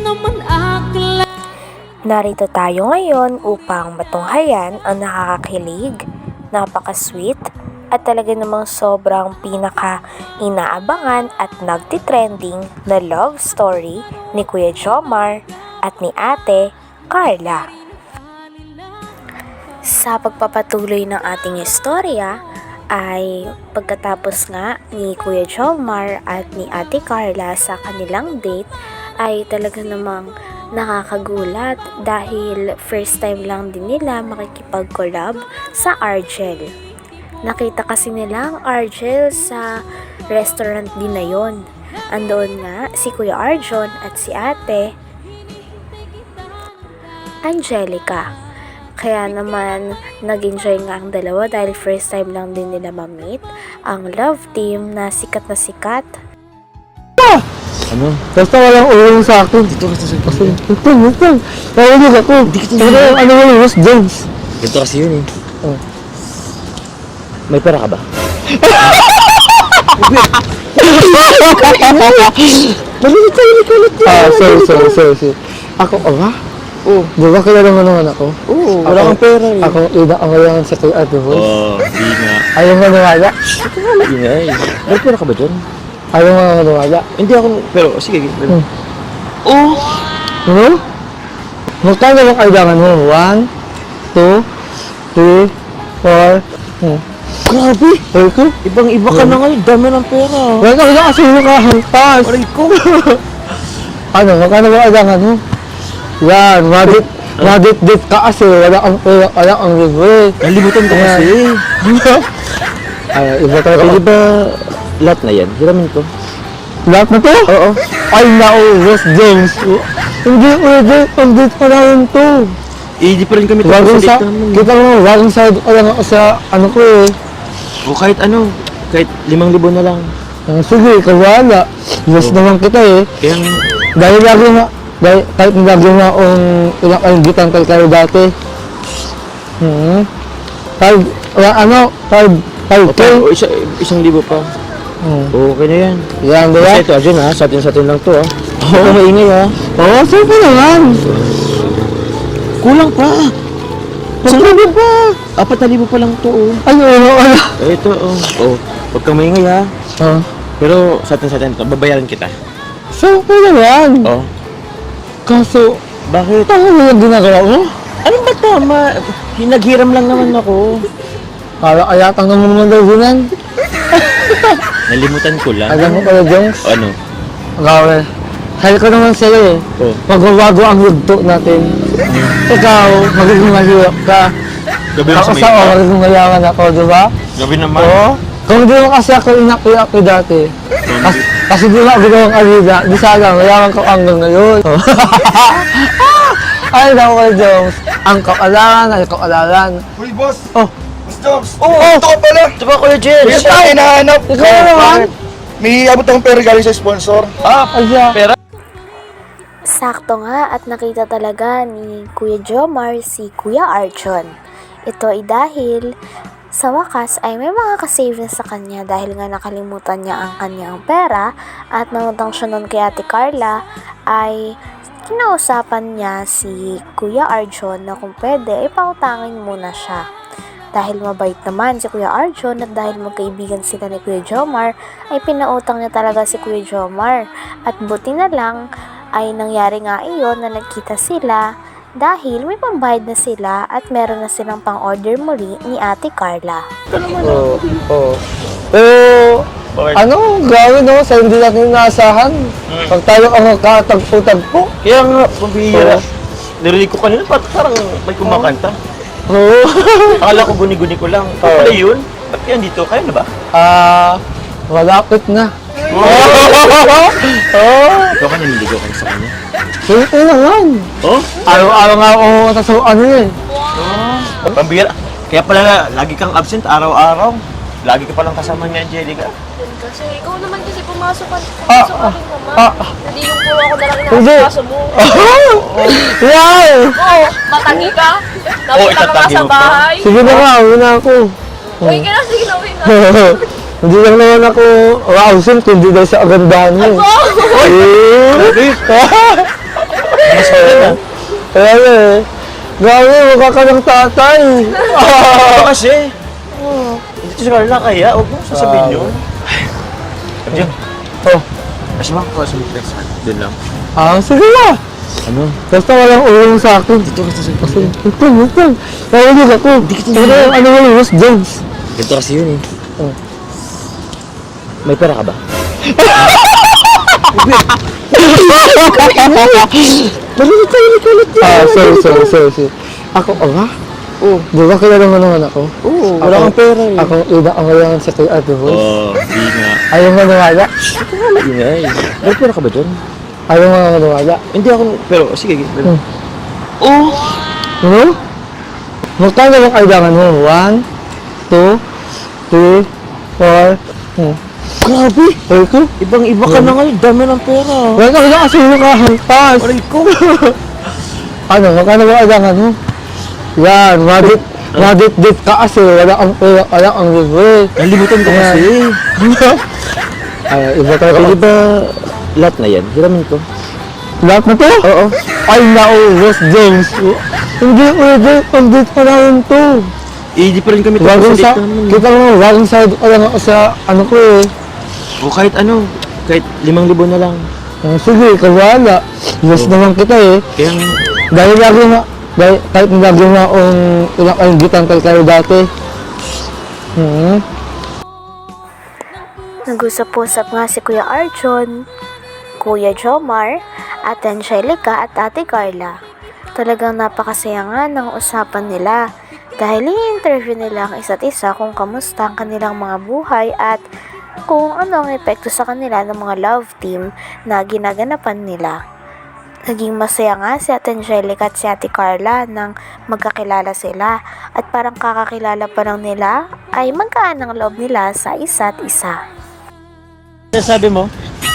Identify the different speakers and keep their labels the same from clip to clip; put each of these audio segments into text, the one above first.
Speaker 1: Narito tayo ngayon upang matunghayan ang nakakakilig, napaka-sweet, at talaga namang sobrang pinaka-inaabangan at nagtitrending na love story ni Kuya Jomar at ni Ate Carla. Sa pagpapatuloy ng ating istorya ay pagkatapos nga ni Kuya Jomar at ni Ate Carla sa kanilang date ay talaga namang nakakagulat dahil first time lang din nila makikipag-collab sa Argel. Nakita kasi nila ang Argel sa restaurant din na yon. Andoon nga si Kuya Arjon at si Ate Angelica. Kaya naman nag-enjoy nga ang dalawa dahil first time lang din nila ma-meet ang love team na sikat.
Speaker 2: Ano? Basta walang ulong sa akin. Dito kasi sa kasi. Ito. Nahulog ako. Ano yung Ross Jones?
Speaker 3: Ganito kasi yun eh.
Speaker 2: Oh.
Speaker 3: May pera ka ba?
Speaker 2: Sorry. Ako, ba? Oo. Di ba kilala mo naman ako?
Speaker 3: Oo, wala kang pera eh.
Speaker 2: Ako, ina ang ngayon sa kay Ate Boy.
Speaker 3: Oo, di nga.
Speaker 2: Ayaw nga nawala.
Speaker 3: Di nga eh. May pera ka ba dyan?
Speaker 2: Ayaw nga nawala.
Speaker 3: Hindi ako, pero sige. Oo!
Speaker 2: Ano? Magkano ba kailangan mo? 1, 2, 3, 4.
Speaker 3: Grabe!
Speaker 2: Ay ko?
Speaker 3: Ibang-iba ka na ngayon. Dami ng pera.
Speaker 2: Wala ka kasi nakahampas.
Speaker 3: Aray ko!
Speaker 2: Ano? Magkano ba kailangan mo? Yan, madit ka kasi. Wala kang libre.
Speaker 3: Nalimutan ko kasi.
Speaker 2: Ay, iba talaga.
Speaker 3: Pwede ba lahat na yan? Hiramin ko.
Speaker 2: Lahat na to?
Speaker 3: Oo.
Speaker 2: Ay, Ross James. Hindi pwede. Pandit pa na yun to.
Speaker 3: Eh, di pa rin kami tapos
Speaker 2: Wagong
Speaker 3: sa
Speaker 2: sa,
Speaker 3: date namin.
Speaker 2: kita mo, wagong side ko lang ako sa ano ko eh.
Speaker 3: O kahit ano, kahit 5,000 na lang.
Speaker 2: Sige, kawala. Yes naman kita eh.
Speaker 3: Kaya
Speaker 2: Dahil lagi nga, kahit lagi nga akong pinakaingitan kay kayo dati. Five K.
Speaker 3: o, isang libo pa. Okay na yan.
Speaker 2: Yan, di ba?
Speaker 3: Kasi ito, Arjun ha, sa atin lang to ha. Oo, maingay ha.
Speaker 2: Oo, siyempre naman.
Speaker 3: Kulang pa. Isang libo pa. 4,000 pa lang to oh.
Speaker 2: Ay, wala.
Speaker 3: Ito oh. Oh, huwag kang maingay ha. Pero sa atin to, babayaran kita.
Speaker 2: Siyempre naman.
Speaker 3: Oh.
Speaker 2: Kaso,
Speaker 3: Bakit?
Speaker 2: tama mo yung ginagawa mo?
Speaker 3: Ano ba tama? Hinaghiram lang naman ako.
Speaker 2: Ayatang naman daw ginan.
Speaker 3: Nalimutan ko lang.
Speaker 2: Alam mo pala, Jones?
Speaker 3: Ano?
Speaker 2: Gawin. Sabi ko naman sa'yo eh.
Speaker 3: Oh.
Speaker 2: Magbabago ang yugto natin. Ikaw, magiging mahirap ka.
Speaker 3: Gabi
Speaker 2: Ako sa magiging mayaman ako, di ba?
Speaker 3: Gabi naman.
Speaker 2: Oo. Kung di mo kasi ako inaki dati. Kasi di ba ako gawang alida, di sana mayaman ko hanggang ngayon. Ay, naku kayo, Jones. Ang kaalalan.
Speaker 4: Uy, boss!
Speaker 2: Oh.
Speaker 4: Boss Jobs!
Speaker 3: Oo.
Speaker 4: Ito ka pala!
Speaker 3: Ito ba Kuya Jens?
Speaker 4: Kaya tayo hinahanap!
Speaker 2: Ikaw naman.
Speaker 4: May abot akong pera galing sa sponsor.
Speaker 2: Ay, siya.
Speaker 3: Pera?
Speaker 1: Sakto nga at nakita talaga ni Kuya Jomar si Kuya Arjon. Ito ay dahil sa wakas ay may mga kasave na sa kanya dahil nga nakalimutan niya ang kanyang pera at nangutang siya nun kay Ate Carla ay kinausapan niya si Kuya Arjon na kung pwede ay pautangin muna siya. Dahil mabait naman si Kuya Arjon at dahil magkaibigan sila ni Kuya Jomar ay pinautang niya talaga si Kuya Jomar at buti na lang ay nangyari nga iyon na nagkita sila dahil may pambayad na sila at meron na silang pang-order muli ni Ate Carla.
Speaker 2: Oo. Pero, ano gawin no? Sa hindi natin inaasahan. Pag tayo ang magkatagpo-tagpo.
Speaker 3: Kaya nga, pambihira. Narinig ko kanina, parang may kumakanta.
Speaker 2: Oo.
Speaker 3: Akala ko guni-guni ko lang. Ito pala yun? Ba't yan dito? Kaya na ba?
Speaker 2: Malapit na.
Speaker 3: Ikaw ka naliligaw ka sa kanya.
Speaker 2: Siyempre naman.
Speaker 3: Oh?
Speaker 2: Araw-araw nga ako sa ano eh.
Speaker 3: Pambihira. Kaya pala, lagi kang absent araw-araw. Lagi ka palang kasama ni Angelica.
Speaker 5: Kasi ikaw naman kasi pumasok ka rin naman. Hindi yung puro ako na lang
Speaker 2: Hindi.
Speaker 5: inakaso mo.
Speaker 2: Yan!
Speaker 5: Oo, matangi ka. Napunta ka nga
Speaker 3: itatagi
Speaker 5: sa
Speaker 3: mo pa.
Speaker 5: bahay.
Speaker 2: Sige na nga, uwi na ako.
Speaker 5: Uwi ka na, sige na, uwi na.
Speaker 2: Hindi lang naman ako absent, kundi dahil sa agandahan mo.
Speaker 5: Oh!
Speaker 2: Eh!
Speaker 3: Mas ka na.
Speaker 2: Kaya nga eh. Grabe, mukha ka ng tatay.
Speaker 3: Ito kasi. Dito si Carla kaya, huwag mo sasabihin yun. Arjun,
Speaker 2: Oh,
Speaker 3: kasi mga kawas mo flex. Doon lang.
Speaker 2: sige na.
Speaker 3: Ano?
Speaker 2: Basta walang ulong sa akin. Dito ka sa akin. Ito. Nahulog ako. Ano wala, Ross Jones.
Speaker 3: Ganito kasi yun eh.
Speaker 2: Oh.
Speaker 3: May pera ka ba?
Speaker 2: Sorry. Ako, ba? Oo. Di ba kilala mo naman ako?
Speaker 3: Oo, wala kang pera eh.
Speaker 2: Ako, ina ang ngayon sa kay Ate Rose.
Speaker 3: Oo, di nga.
Speaker 2: Ayaw mo nawala?
Speaker 3: Di nga eh. May pera ka ba dyan?
Speaker 2: Ayaw mo nawala?
Speaker 3: Hindi ako, pero sige.
Speaker 2: Oh! Ano? Magkano bang kailangan mo? 1, 2, 3, 4, Grabe! Ay ko?
Speaker 3: Ibang-iba ka na ngayon, dami ng pera.
Speaker 2: Wala ka na kasi nakahampas!
Speaker 3: Aray ko!
Speaker 2: Ano? Magkano bang kailangan mo? Yan, madit ka kasi wala ang libre.
Speaker 3: Nalimutan ko kasi.
Speaker 2: Ay, iba tayo.
Speaker 3: Pwede ba lahat na yan? Hiramin ko.
Speaker 2: Lahat na to?
Speaker 3: Oo.
Speaker 2: Ay, Ross James. Hindi pwede, pandit pa namin to.
Speaker 3: Hindi pa rin kami
Speaker 2: Bagong sa,
Speaker 3: date namin.
Speaker 2: kita mo, bagong sa, lang ako sa, ano ko eh.
Speaker 3: O kahit ano, kahit 5,000 na lang.
Speaker 2: Sige, kawala. Yes naman kita eh.
Speaker 3: Kaya
Speaker 2: Dahil kahit lagi na akong ilang kaingitan kayo dati.
Speaker 1: Nag-usap-usap nga si Kuya Arjun, Kuya Jomar, Ate Angelica at Ate Carla. Talagang napakasaya nga ng usapan nila dahil i-interview nila ang isa't isa kung kamusta ang kanilang mga buhay at kung ano ang epekto sa kanila ng mga love team na ginaganapan nila. Naging masaya nga si Ate Angelica at si Ate Carla nang magkakilala sila at parang kakakilala pa lang nila ay magkaan ang loob nila sa isa't isa.
Speaker 3: sabi mo?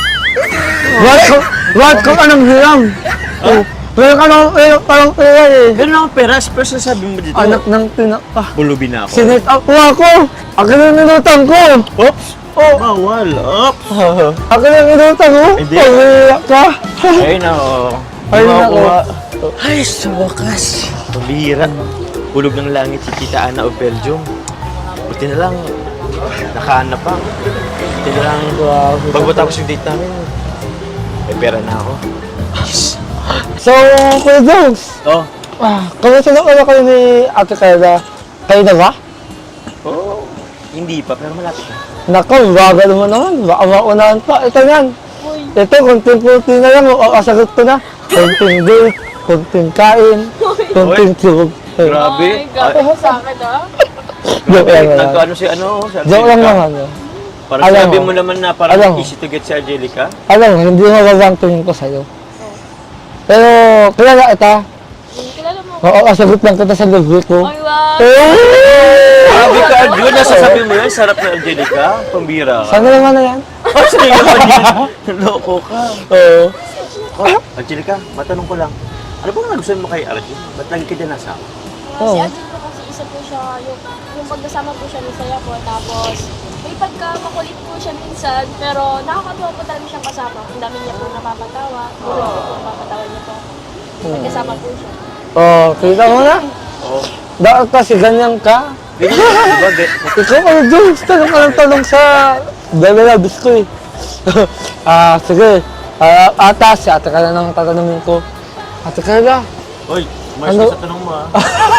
Speaker 2: What kung anong hiram? Meron ka nang parang pera eh.
Speaker 3: Ganun ako pera, pero sabi mo dito.
Speaker 2: Anak ng
Speaker 3: Bulubi na ako.
Speaker 2: Sinet up mo ako! Akin ang minutang ko!
Speaker 3: Oops! Oh! Bawal! Oops!
Speaker 2: Akin ang minutang ko!
Speaker 3: Hindi.
Speaker 2: Pag-iyak ka!
Speaker 3: Ayun na, oo.
Speaker 2: Ay,
Speaker 3: Diba,
Speaker 2: nako.
Speaker 3: kuha? Ay, sa wakas. Pabihira. Hulog ng langit si Tita Ana of Belgium. Buti na lang, nakahanap pa. Buti na lang, bago tapos yung date namin, may pera na ako. Yes.
Speaker 2: So, Kuya Jones,
Speaker 3: Oh,
Speaker 2: kamusta na ulo kayo ni Ate Carla? Kayo na ba?
Speaker 3: oh, hindi pa, pero malapit na.
Speaker 2: Naku, bagal mo naman. Baka maunahan pa. Ito yan. Ito, konting-konti na lang. Kasagot ko na. Konting date, konting kain, konting tulog.
Speaker 3: Grabe.
Speaker 5: Gago sa akin
Speaker 2: Joke lang naman.
Speaker 3: Nagkaano si ano? Si
Speaker 2: Joke lang
Speaker 3: Angelica.
Speaker 2: naman.
Speaker 3: Parang
Speaker 2: Alam
Speaker 3: sabi
Speaker 2: mo.
Speaker 3: mo naman na
Speaker 2: Alam
Speaker 3: parang
Speaker 2: mo.
Speaker 3: easy to get si Angelica.
Speaker 2: Alam mo, hindi mababang tingin ko sa'yo. Pero, kilala kita.
Speaker 5: Kilala mo.
Speaker 2: Oo, kasagot lang kita sa libre ko.
Speaker 5: Ay, wow.
Speaker 3: Grabe ka, Arjun. Nasasabi mo yan, sarap na Angelica. Pambira ka.
Speaker 2: Saan na naman na yan?
Speaker 3: Oh, sa'yo naman yun. Loko ka.
Speaker 2: Oo.
Speaker 3: Oh, Angelica, matanong ko lang. Ano bang nagustuhan mo kay Arjun? Ba't lagi ka dyan nasa?
Speaker 5: Si Arjun po kasi isa po siya, yung pagkasama po siya, masaya po. Tapos, may pagka makulit po siya minsan, pero nakakatuwa po talaga siyang kasama. Ang dami niya po napapatawa. Puro po napapatawa niya po. Pagkasama po siya.
Speaker 2: Oh, kita mo na?
Speaker 3: Oo.
Speaker 2: Dahil kasi ganyan ka.
Speaker 3: Ganyan, di ba?
Speaker 2: Ikaw, ano, Jones? Tanong ka ng tanong sa Bebelabis ko eh. Sige. Ata, si Ate Carla nang tatanungin ko. Ate Carla,
Speaker 3: Uy, umayos
Speaker 2: Ano?
Speaker 3: ka sa tanong mo ah.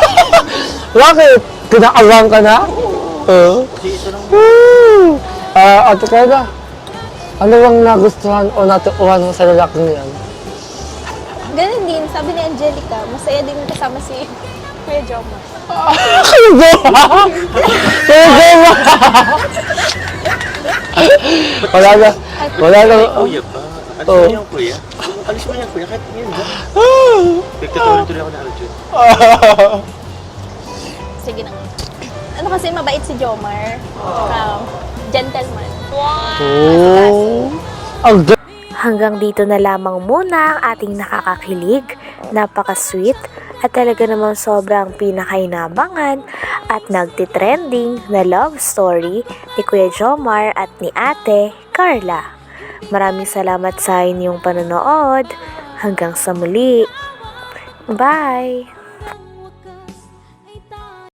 Speaker 2: bakit? Kinakabang ka na? Oo.
Speaker 3: Kasi tanong mo.
Speaker 2: Woo! Ate Carla, ano bang nagustuhan o natuuhan mo sa lalaking yan?
Speaker 5: Ganun din, sabi ni Angelica, masaya din kasama si Kuya Jomar.
Speaker 2: Kayo ba? Wala na. Wala na.
Speaker 3: Kuya pa. Alis
Speaker 2: Oo.
Speaker 3: mo yung kuya. Alis mo yung kuya, kahit ngayon ba? Nagtatuloy-tuloy ako na Arjun.
Speaker 5: Sige na. Ano kasi mabait si Jomar. Gentleman.
Speaker 2: Oh. Ang
Speaker 1: Hanggang dito na lamang muna ang ating nakakakilig, napaka-sweet at talaga namang sobrang pinakainabangan at nagtitrending na love story ni Kuya Jomar at ni Ate Carla. Maraming salamat sa inyong panonood. Hanggang sa muli. Bye!